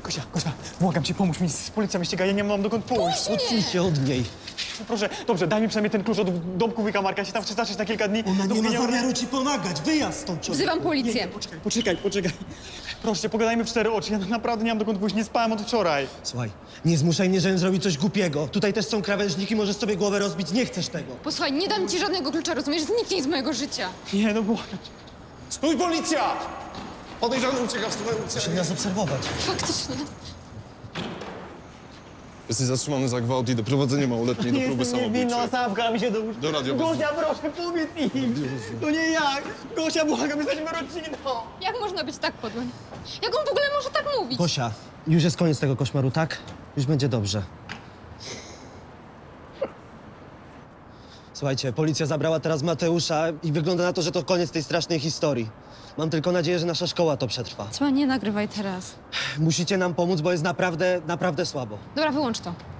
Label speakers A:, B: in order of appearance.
A: Gosia, błagam cię, pomóż mi, policja mnie ściga, ja nie mam dokąd pójść.
B: Odsuń się od niej.
A: Proszę, dobrze, daj mi przynajmniej ten klucz od domku wujka Marka, ja się tam chcę zacząć na kilka dni.
B: Ona nie
A: dopóki
B: ma zamiaru ci pomagać. Wyjazd stąd, człowiek.
C: Wzywam policję.
A: Poczekaj. Proszę cię, pogadajmy w cztery oczy, ja naprawdę nie mam dokąd pójść, nie spałem od wczoraj.
B: Słuchaj, nie zmuszaj mnie, żebym zrobił coś głupiego. Tutaj też są krawężniki, możesz sobie głowę rozbić. Nie chcesz tego.
C: Posłuchaj, nie dam ci żadnego klucza, rozumiesz? Zniknij z mojego życia.
A: Nie, no błagam cię.
D: Stój, policja! Podejrzany ucieka w stronę ulicy.
B: Muszę nas obserwować.
C: Faktycznie.
D: Jesteś zatrzymany za gwałt i doprowadzenie małoletniej do próby samobójczej.
A: Sawka mi się do...
D: Do radiowozu.
A: Gosia, proszę, powiedz im. To nie jak. Gosia, błagam, jesteśmy rodziną.
C: Jak można być tak podłym? Jak on w ogóle może tak mówić?
B: Gosia, już jest koniec tego koszmaru, tak? Już będzie dobrze. Słuchajcie, policja zabrała teraz Mateusza i wygląda na to, że to koniec tej strasznej historii. Mam tylko nadzieję, że nasza szkoła to przetrwa.
C: Słuchaj, nie nagrywaj teraz.
B: Musicie nam pomóc, bo jest naprawdę, naprawdę słabo.
C: Dobra, wyłącz to.